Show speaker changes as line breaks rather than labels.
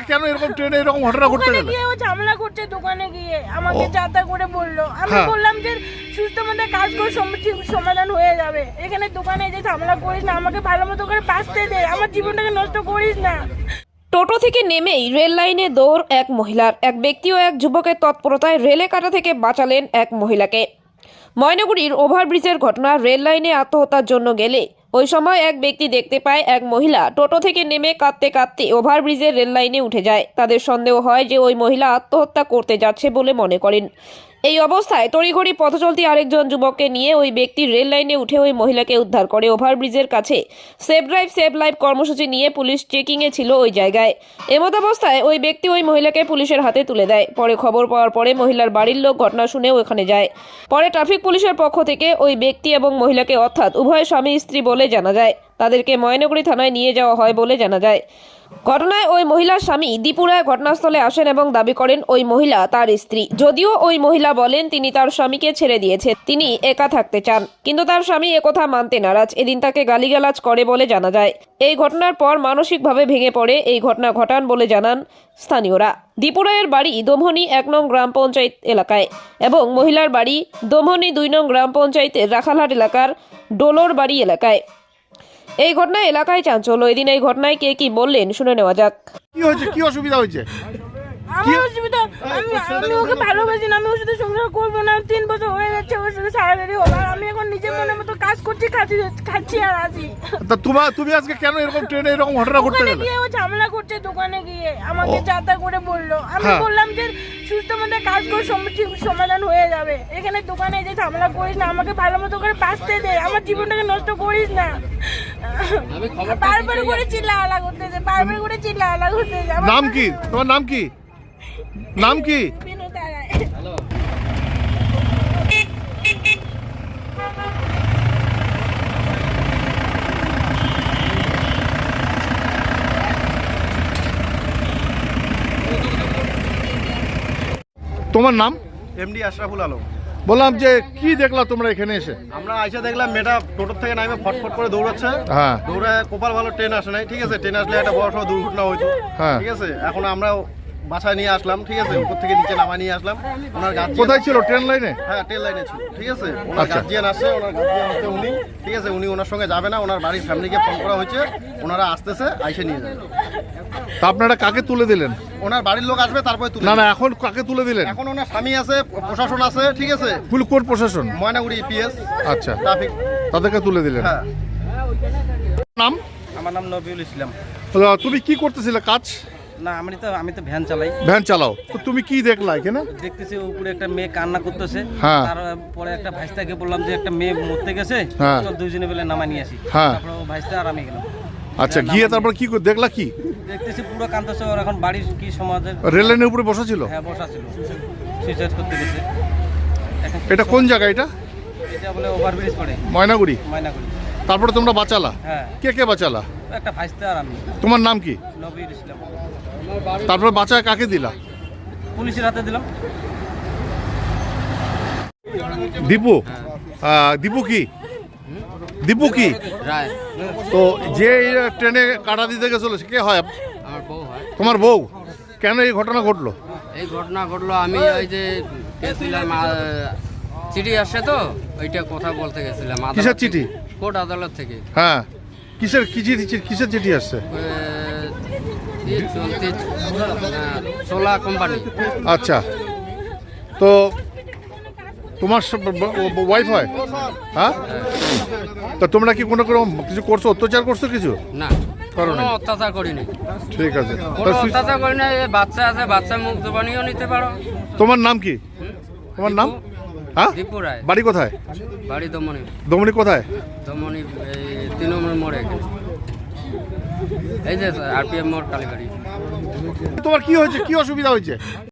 কেন এরকম ট্রেনে এরকম ঘটনা ঘটতে
ওখানে
গেল?
গিয়ে ও ঝামেলা করছে দোকানে গিয়ে আমাকে যাতা করে বললো। আমি বললাম যে সুস্থ মতো কাজ করে ঠিক সমাধান হয়ে যাবে, এখানে দোকানে যে ঝামেলা করিস না, আমাকে ভালো মতো করে বাঁচতে দে, আমার জীবনটাকে নষ্ট করিস না।
টোটো থেকে নেমেই রেল লাইনে দৌড় এক মহিলার। এক ব্যক্তি ও এক যুবকের তৎপরতায় রেলে কাটা থেকে বাঁচালেন এক মহিলাকে। ময়নাগুড়ির ওভারব্রিজের ঘটনা। রেল লাইনে আত্মহত্যার জন্য গেলে ওই সময় এক ব্যক্তি দেখতে পায় এক মহিলা টোটো থেকে নেমে কাঁদতে কাঁদতে ওভারব্রিজের রেল লাইনে উঠে যায়। তাদের সন্দেহ হয় যে ওই মহিলা আত্মহত্যা করতে যাচ্ছে বলে মনে করেন। এই অবস্থায় তড়িঘড়ি পথচলতি আরেকজন যুবককে নিয়ে ওই ব্যক্তি রেল লাইনে উঠে ওই মহিলাকে উদ্ধার করে। ওভারব্রিজের কাছে সেভ ড্রাইভ সেভ লাইফ কর্মসূচি নিয়ে পুলিশ চেকিংয়ে ছিল ওই জায়গায়। এমত অবস্থায় ওই ব্যক্তি ওই মহিলাকে পুলিশের হাতে তুলে দেয়। পরে খবর পাওয়ার পরে মহিলার বাড়ির লোক ঘটনা শুনে ওখানে যায়। পরে ট্রাফিক পুলিশের পক্ষ থেকে ওই ব্যক্তি এবং মহিলাকে অর্থাৎ উভয় স্বামী স্ত্রী বলে জানা যায়, তাদেরকে ময়নাগুড়ি থানায় নিয়ে যাওয়া হয় বলে জানা যায়। ঘটনায় ওই মহিলার স্বামী দীপু রায় ঘটনাস্থলে আসেন এবং দাবি করেন ওই মহিলা তার স্ত্রী। যদিও ওই মহিলা বলেন তিনি তার স্বামীকে ছেড়ে দিয়েছে, তিনি একা থাকতে চান, কিন্তু তার স্বামী একথা মানতে নারাজ। এদিন তাকে গালিগালাজ করে বলে জানা যায়। এই ঘটনার পর মানসিকভাবে ভেঙে পড়ে এই ঘটনা ঘটান বলে জানান স্থানীয়রা। দীপু রায়ের বাড়ি দোমহনি 1 নং গ্রাম পঞ্চায়েত এলাকায় এবং মহিলার বাড়ি দোমহনি 2 নং গ্রাম পঞ্চায়েতের রাখালহাট এলাকার ডোলোর বাড়ি এলাকায়। এই ঘটনায় এলাকায় চাঞ্চল্য। এদিন এই ঘটনায় কে কি বললেন শুনে নেওয়া যাক।
কি হয়েছে, কি অসুবিধা হয়েছে?
আমার অসুবিধা, আমি ওকে ভালোবাসি না, আমি ওর সাথে সংসার করবো না। 3 বছর হয়ে যাচ্ছে ওর সাথে সারাসারি হলো, আর আমি এখন নিজের মনের মতো কাজ করছি, খাচ্ছি আর আছি।
তা তুমি আজকে কেন এরকম ট্রেনে এরকম ঘটনা ঘটতে
ওখানে
গেল?
গিয়ে ও ঝামেলা করছে দোকানে গিয়ে আমাকে যাতা করে বললো। আমি বললাম যে সুস্থ মতো কাজ করে ঠিক সমাধান হয়ে যাবে, এখানে দোকানে যে ঝামেলা করিস না, আমাকে ভালো মতো করে বাঁচতে দে, আমার জীবনটাকে নষ্ট করিস না। বারবার করে চিল্লাহাল্লা করতেছে, বারবার করে চিল্লাহাল্লা করতেছে।
নাম কি তোমার? নাম কি? নাম কি?
বিনোদা রায়।
তোমার নাম?
এমডি আশরাফুল আলম।
বললাম যে কি দেখলা তোমরা এখানে এসে?
আমরা আইসা দেখলাম মেয়েটা টোটোর থেকে নামে ফটফট করে দৌড়াচ্ছে।
হ্যাঁ।
দৌড়ে কপাল ভালো ট্রেন আসে নাই, ঠিক আছে? ট্রেন আসলে একটা বড় সড় দুর্ঘটনা হইতো,
হ্যাঁ।
ঠিক আছে? এখন আমরা বাসায় নিয়ে আসলাম, ঠিক আছে? উপর থেকে নিচে নামা নিয়ে আসলাম। ওনার গার্জিয়ান
কোথায় ছিল? ট্রেন লাইনে?
হ্যাঁ, ট্রেন লাইনে ছিল, ঠিক আছে? ওনার
আচ্ছা।
গার্জিয়ান আসছে, ওনার গার্জিয়ান হচ্ছে উনি, ঠিক আছে? উনি ওনার সঙ্গে যাবে না, ওনার বাড়ির ফ্যামিলিকে ফোন করা হয়েছে, ওনারা আসতেছে, আইসে নিয়ে যাবে।
তা আপনারা কাকে তুলে দিলেন?
ওনার বাড়ির লোক আসবে, তারপরে তুলে
না
দেবে।
না, এখন কাকে তুলে দিলেন?
এখন ওনার স্বামী আছে, প্রশাসন আছে, ঠিক আছে?
কোন প্রশাসন?
ময়নাগুড়ি পিএস
আচ্ছা,
ট্রাফিক।
তাদেরকে তুলে দিলেন।
হ্যাঁ।
নাম?
আমার নাম নবিউল ইসলাম।
তুমি কি করতেছিলে কাজ?
না, আমি তো ভ্যান চালাই।
ভ্যান চালাও। তো তুমি কি দেখলা এখানে?
দেখতেছি উপরে একটা মেয়ে কান্না করতেছে।
হ্যাঁ।
তারপরে একটা ভাইস্তাকে বললাম যে একটা মেয়ে মরতে গেছে,
হ্যাঁ।
চল দুইজনে মিলে নামা নিয়ে আসি।
হ্যাঁ।
তারপরে ও ভাইস্তা আর আমি গেলাম।
আচ্ছা, গিয়ে তারপর কি দেখলা? কি
দেখতেছি পুরো কান্দতেছে। ওর এখন বাড়ির কি সমাজের
রেল লাইনের উপরে বসা ছিল?
হ্যাঁ, বসা ছিল, সুইসাইড করতে গেছে। এখন
এটা কোন জায়গা? এটা
এটা বলে ওভারব্রিজ পড়ে
ময়নাগুড়ি।
ময়নাগুড়ি।
তারপরে তোমরা বাঁচালা?
হ্যাঁ।
কে কে বাঁচালা?
একটা ভাইস্তা আর আমি।
তোমার নাম কি?
নবিউল ইসলাম।
তারপরে বাঁচায় কাকে দিলা?
পুলিশের হাতে দিলাম।
দীপু? দীপু কি? দীপু কি?
রায়।
তো যে ট্রেনে কাটা দিতে গেছিল সে কে হয়?
আমার বউ হয়।
তোমার বউ? কেন এই ঘটনা ঘটলো?
এই ঘটনা ঘটলো, আমি ওই যে গেছিলাম, চিঠি আসছে তো ওইটা কথা বলতে গেছিলাম। আদালত
কিসের
থেকে।
চিঠি?
কোর্ট আদালত থেকে।
হ্যাঁ, কিসের চিঠি আসছে? সোলা কোম্পানি। আচ্ছা, তো তোমার ওয়াইফ হয়? হ্যাঁ। তা তোমরা কি কোনো কিছু করছো, অত্যাচার করছো কিছু?
না,
করো
কোনো
নাই?
অত্যাচার করিনি।
ঠিক আছে।
কোনো অত্যাচার করি না। এই বাচ্চা আছে, বাচ্চা মুখ জবানিও নিতে পারো।
তোমার নাম কি? তোমার নাম? হ্যাঁ।
দীপু রায়।
বাড়ি কোথায়?
বাড়ি দমনি।
দমনি কোথায়?
দমনি এই 3 নম্বর মোড়ে এখানে। এই যে আরপিএম মোড়, কালীবাড়ি।
তোমার কি হয়েছে, কি অসুবিধা হয়েছে?